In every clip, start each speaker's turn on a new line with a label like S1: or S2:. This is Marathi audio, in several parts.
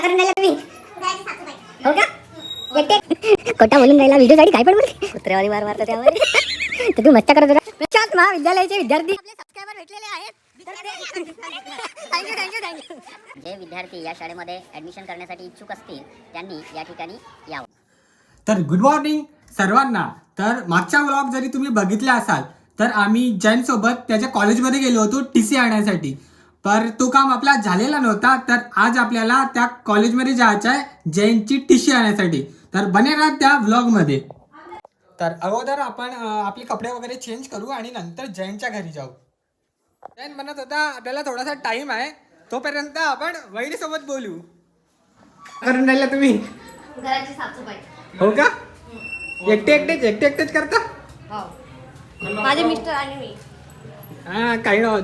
S1: हो का एकटे खोटा बोलून राहिला व्हिडिओ साठी काय पण बोलते कुत्र्यावाली मार मारता त्यावर तर तू मस्ता करत होता प्रशांत महाविद्यालयाचे विद्यार्थी आपले सबस्क्रायबर भेटलेले आहेत. थँक्यू. जे विद्यार्थी या शाळेमध्ये ऍडमिशन करण्यासाठी इच्छुक असतील त्यांनी या ठिकाणी यावं.
S2: तर गुड मॉर्निंग सर्वांना. तर मागच्या व्लॉग जरी तुम्ही बघितला असाल तर आम्ही जैन सोबत त्याच्या कॉलेजमध्ये गेलो होतो TC आणण्यासाठी. पर तो काम आपला झालेला नव्हता. तर आज आपल्याला त्या कॉलेजमध्ये जायचं आहे जैनची TC आणण्यासाठी. तर बने राहा त्या व्लॉगमध्ये. तर अगोदर आपण आपले कपडे वगैरे चेंज करू आणि नंतर जैनच्या घरी जाऊ. जैन म्हणत होता आपल्याला थोडासा टाइम आहे, तोपर्यंत आपण वहिनीसोबत बोलू. करून राहिला तुम्ही
S3: घराची साफसफाई.
S2: हो का? एकटेच करता?
S3: हो. माझे मिस्टर आणि मी.
S2: हा काही नव्हत.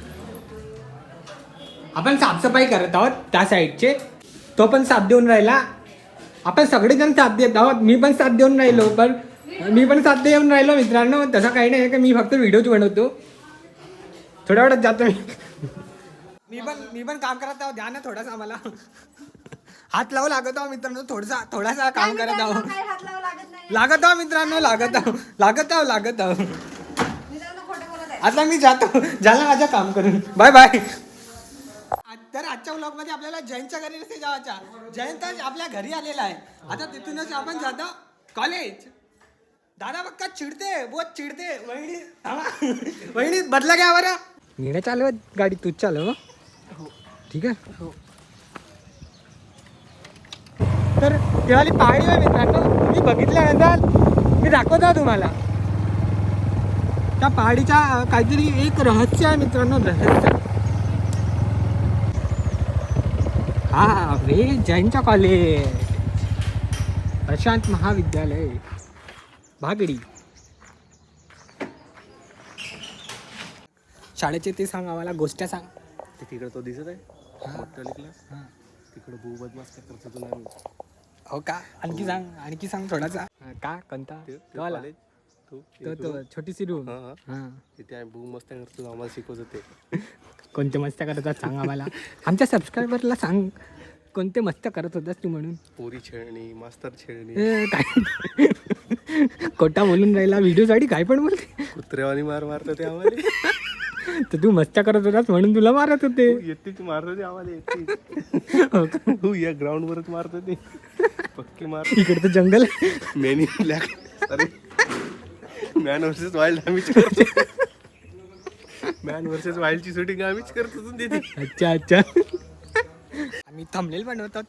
S2: आपण साफसफाई करत आहोत त्या साईडचे. तो पण साथ देऊन राहिला. आपण सगळेजण साथ देत आहोत. मी पण साथ देऊन राहिलो. पण मी पण साथ देऊन राहिलो मित्रांनो. तसं काही नाही की मी फक्त व्हिडिओज बनवतो. थोड्या वेळात जातो मी पण काम करत आहोत. द्या ना थोडासा आम्हाला हात लावू लागत आहो मित्रांनो. थोडासा काम करत आहो. लागत आहो मित्रांनो. लागत आहो. आता मी जातो. झालं माझं काम करून. Bye bye. तर आजच्या व्लॉग मध्ये आपल्याला जैनच्या घरी नसते जायच्या. जैन तर आपल्या घरी आलेला आहे. आता तिथूनच आपण जातो कॉलेज. दादा बक्का चिडते बहुत चिडते. वहिनी बदला घ्या बरं. मी नाही चालवत गाडी, तूच चालव. ठीक आहे. हो. तर तेवाली पहाडी आहे मित्रांनो. तुम्ही बघितल्यानंतर मी दाखवतो तुम्हाला. त्या पहाडीच्या काहीतरी एक रहस्य आहे मित्रांनो. रहस्य. हा रे जैनच्या कॉलेज प्रशांत महाविद्यालय भागडी. शाळेचे ते सांग आम्हाला. गोष्ट सांग.
S4: तिकडे तो दिसत आहे मोठ्याली क्लास. तिकडे भू बदमाश करतो नाही.
S2: हो का? आणखी सांग थोडासा. का कोणता? तो छोटीशी रूम.
S4: तिथे भू मस्त करतो. आम्हाला शिकवत होते.
S2: कोणते मस्त्या करत होतात सांग आम्हाला. आमच्या सबस्क्रायबरला सांग कोणते मस्त्या करत होतास तू म्हणून.
S4: पोरी छेडणी, मास्तर छेडणी.
S2: काय खोटा बोलून राहिला व्हिडिओसाठी काय पण बोलते.
S4: कुत्र्यावानी मारतो ते आम्हाला.
S2: तर तू मस्त्या करत होतास म्हणून तुला मारत होते.
S4: येते मारत होते आम्हाला.
S2: हो का?
S4: हो या ग्राउंड वरच मारत होते. पक्की मार.
S2: इकडे तर जंगल.
S4: Man in black. अरे मॅन वर्सेस वाईल्ड आम्हीच करतो. मॅन वर्सेस वाईल्डची शूटिंग आम्हीच करतो तिथे.
S2: अच्छा. आम्ही थंबनेल बनवतो.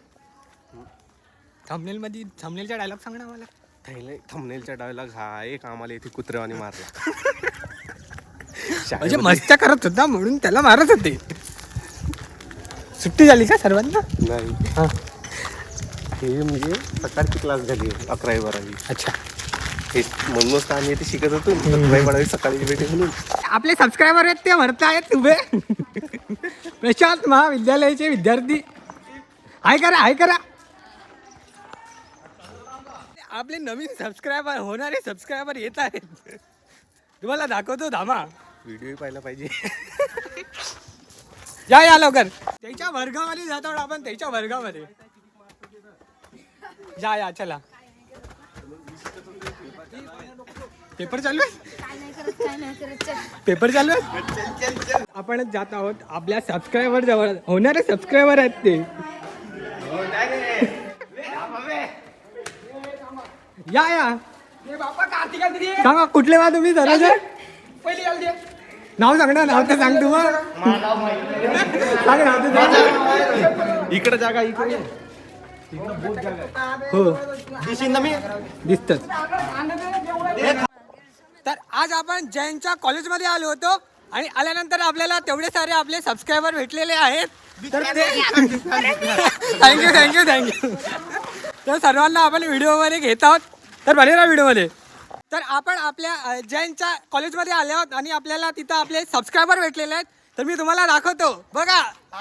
S2: थंबनेलचा डायलॉग सांग ना मला.
S4: थंबनेलचा डायलॉग हा एक आम्हाला इथे कुत्र्यावानी मारला.
S2: म्हणजे मस्त्या करत होता म्हणून त्याला मारत होते. सुट्टी झाली का सर्वांना?
S4: नाही.
S2: हा.
S4: हे म्हणजे सकाळची क्लास झाली 11-12.
S2: अच्छा.
S4: हे म्हणूनच आम्ही इथे शिकत होतो. 11-12 सकाळी भेटे म्हणून.
S2: आपले सबस्क्रायबर आहेत ते म्हणत आहेत उभे. प्रशांत महाविद्यालयाचे विद्यार्थी. हाय करा. आपले नवीन सबस्क्रायबर होणारे सबस्क्रायबर येत आहेत. तुम्हाला दाखवतो धामा.
S4: व्हिडिओ पाहायला पाहिजे.
S2: या लवकर. त्याच्या वर्गामध्ये जातो आपण. त्याच्या वर्गामध्ये या चला. पेपर चालू आहे. आपणच जात आहोत आपल्या सबस्क्रायबर जवळ. होणारे सबस्क्रायबर आहेत ते. या सांगा कुठले वा तुम्ही जरा. नाव सांग ना. नाव तर सांग तू. सांग नाव तर.
S4: इकडे जागा इकडे.
S2: हो दिसत. तर आज आपण जैनच्या कॉलेजमध्ये आलो होतो आणि आल्यानंतर आपल्याला तेवढे सारे आपले सबस्क्रायबर भेटलेले आहेत. तर थँक्यू. तर सर्वांना आपण व्हिडिओमध्ये घेत आहोत. तर बने राहा व्हिडिओमध्ये. तर आपण आपल्या जैनच्या कॉलेजमध्ये आले आहोत आणि आपल्याला तिथं आपले सबस्क्रायबर भेटलेले आहेत. तर मी तुम्हाला दाखवतो बघा.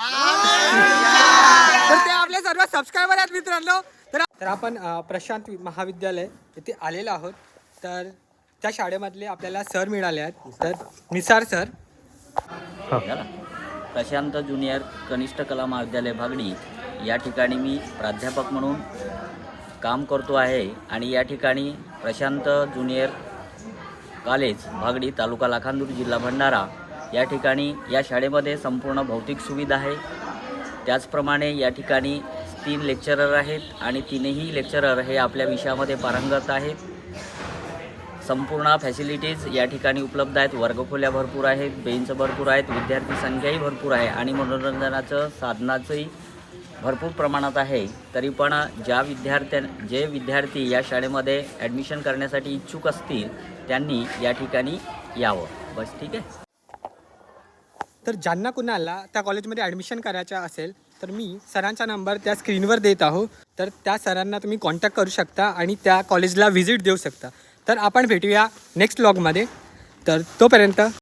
S2: तर ते आपले सर्व सबस्क्रायबर आहेत मित्रांनो. तर आपण प्रशांत महाविद्यालय येथे आलेलो आहोत. तर त्या शाळेमधले आपल्याला सर मिळाले आहेत. तर निसार सर.
S5: प्रशांत ज्युनियर कनिष्ठ कला महाविद्यालय भागडी या ठिकाणी मी प्राध्यापक म्हणून काम करतो आहे आणि या ठिकाणी प्रशांत ज्युनियर कॉलेज भागडी तालुका लाखांदूर जिल्हा भंडारा या ठिकाणी या शाळेमध्ये संपूर्ण भौतिक सुविधा आहे. त्याचप्रमाणे या ठिकाणी 3 लेक्चरर आहेत आणि 3ही लेक्चरर हे आपल्या विषयामध्ये पारंगत आहेत. संपूर्ण फॅसिलिटीज या ठिकाणी उपलब्ध आहेत. वर्गखोल्या भरपूर आहेत, बेंच भरपूर आहेत, विद्यार्थी संख्याही भरपूर आहे आणि मनोरंजनाचं साधनाचंही भरपूर प्रमाणात आहे. तरी पण जे विद्यार्थी या शाळेमध्ये ॲडमिशन करण्यासाठी इच्छुक असतील त्यांनी या ठिकाणी यावं. बस ठीक आहे.
S2: तर ज्यांना कुणाला त्या कॉलेजमध्ये ॲडमिशन करायचं असेल तर मी सरांचा नंबर त्या स्क्रीनवर देत आहो. तर त्या सरांना तुम्ही कॉन्टॅक्ट करू शकता आणि त्या कॉलेजला व्हिजिट देऊ शकता. तर आपण भेटूया नेक्स्ट व्लॉगमध्ये. तर तोपर्यंत